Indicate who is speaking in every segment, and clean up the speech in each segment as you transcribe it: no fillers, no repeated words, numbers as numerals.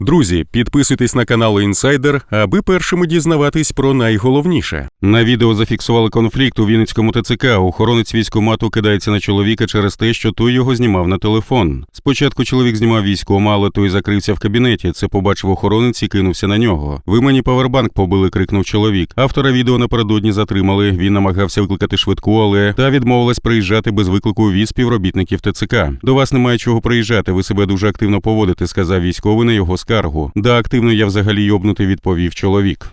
Speaker 1: Друзі, підписуйтесь на канал Інсайдер, аби першими дізнаватись про найголовніше. На відео зафіксували конфлікт у Вінницькому ТЦК. Охоронець військкомату кидається на чоловіка через те, що той його знімав на телефон. Спочатку чоловік знімав військкома, але той закрився в кабінеті. Це побачив охоронець і кинувся на нього. «Ви мені павербанк побили», – крикнув чоловік. Автора відео напередодні затримали. Він намагався викликати швидку, але та відмовилась приїжджати без виклику від співробітників ТЦК. «До вас немає чого приїжджати, ви себе дуже активно поводите», – сказав військовий на його скаргу. «Да, активно я взагалі йобнутий», – відповів чоловік.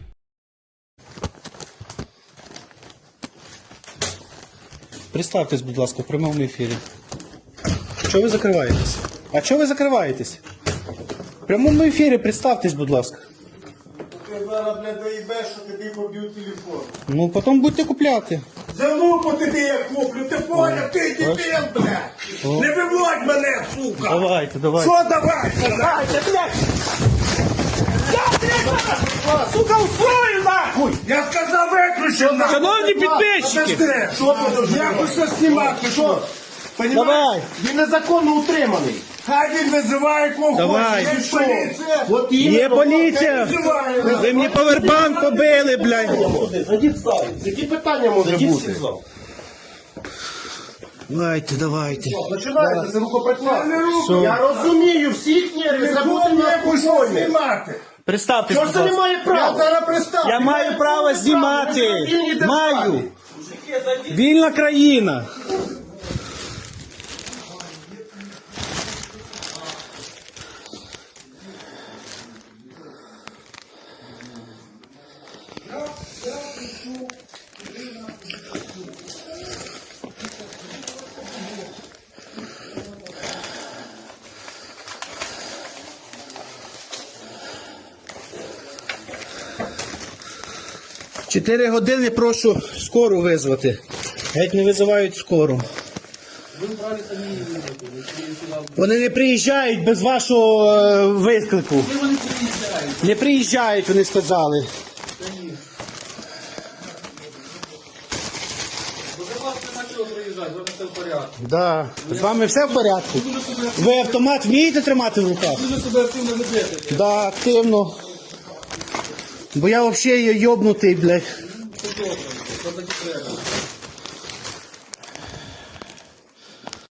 Speaker 2: Представтесь, будь ласка, в прямому ефірі. Чого ви закриваєтесь? А чого ви закриваєтесь? В прямому ефірі представтесь, будь ласка.
Speaker 3: Ти зараз, блядь, доїбеш, що тобі поб'ють телефон.
Speaker 2: Ну, потім будете купляти.
Speaker 3: За лупу тобі я куплю, ти поняв, ти дебіл, блядь. Не виводь мене, сука.
Speaker 2: Давайте, давайте.
Speaker 3: Що давай? Давайте, блядь. Сука, устрою нахуй! Я сказав, виключи нахуй!
Speaker 2: Шановні підписчики!
Speaker 3: Подожди, що ти? Я хочу знімати, що?
Speaker 2: Давай!
Speaker 3: Він незаконно утриманий. Хай він визиває кого
Speaker 2: Давай.
Speaker 3: хоче. Є поліція. От
Speaker 2: Є поліція! Ви мені павербанк побили, блядь!
Speaker 3: Зайдіть в зал. Які питання може бути?
Speaker 2: Давайте, давайте.
Speaker 3: Починається, це рукоприкладство. Я розумію, всіх нервів, забути на знімати.
Speaker 2: Представтесь,
Speaker 3: Що
Speaker 2: будь
Speaker 3: ж ти не
Speaker 2: ласка.
Speaker 3: має права? Я зараз представлю.
Speaker 2: Я маю право знімати! Маю! Вільна країна! В 4 години прошу скору визвати. Геть не визивають скору. Вони не приїжджають без вашого виклику. Не приїжджають, вони сказали. Да. З вами все в порядку? Ви автомат вмієте тримати в руках?
Speaker 4: Дуже себе активно ведете.
Speaker 2: Да, активно. Бо я взагалі йобнутий, блядь.